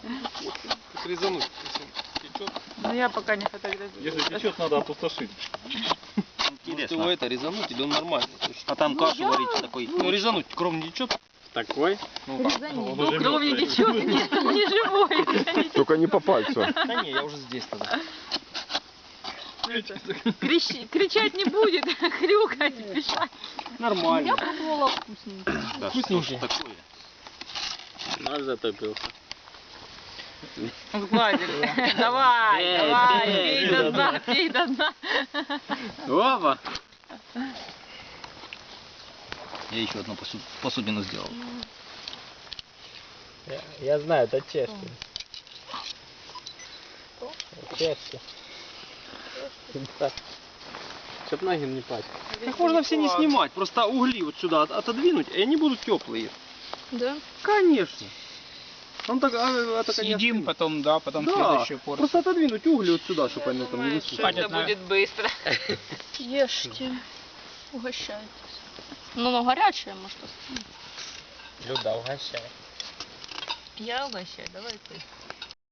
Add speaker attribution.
Speaker 1: Резануть, если течет.
Speaker 2: Но я пока не фотографирую.
Speaker 3: Если течет, надо опустошить.
Speaker 1: Может его это резануть, или он нормальный.
Speaker 4: А там кашу варить такой.
Speaker 1: Ну резануть, кровь не течет.
Speaker 3: Такой?
Speaker 1: Ну как?
Speaker 3: Он
Speaker 2: Ну,
Speaker 3: уже
Speaker 2: кровь не
Speaker 3: мертвый.
Speaker 2: течет, не живой.
Speaker 5: Только не по пальцу.
Speaker 1: Да не, я уже здесь тогда.
Speaker 2: Кричать не будет, хрюкать, пищать.
Speaker 1: Нормально.
Speaker 6: Я пробовала вкусненько.
Speaker 4: Да,
Speaker 1: Вкусненький.
Speaker 4: что ж такое?
Speaker 3: Наш затопился.
Speaker 2: Сгладили. Давай, давай, пей до дна, пей до дна.
Speaker 1: Опа!
Speaker 4: Я еще одну посудину сделал.
Speaker 7: Я знаю, это чешский. Чешский.
Speaker 1: Чтоб ноги не пасть. Их можно все не снимать, просто угли вот сюда отодвинуть, и они будут теплые.
Speaker 6: Да?
Speaker 1: Конечно. Он так, это,
Speaker 7: Съедим потом, да, потом
Speaker 1: да,
Speaker 7: следующую порцию.
Speaker 1: просто отодвинуть угли вот сюда, чтобы они там не высыхали.
Speaker 2: Это будет быстро.
Speaker 6: Ешьте. Угощайтесь. Ну, оно горячее, может.
Speaker 7: Люда, угощай.
Speaker 2: Я угощаю, давай ты.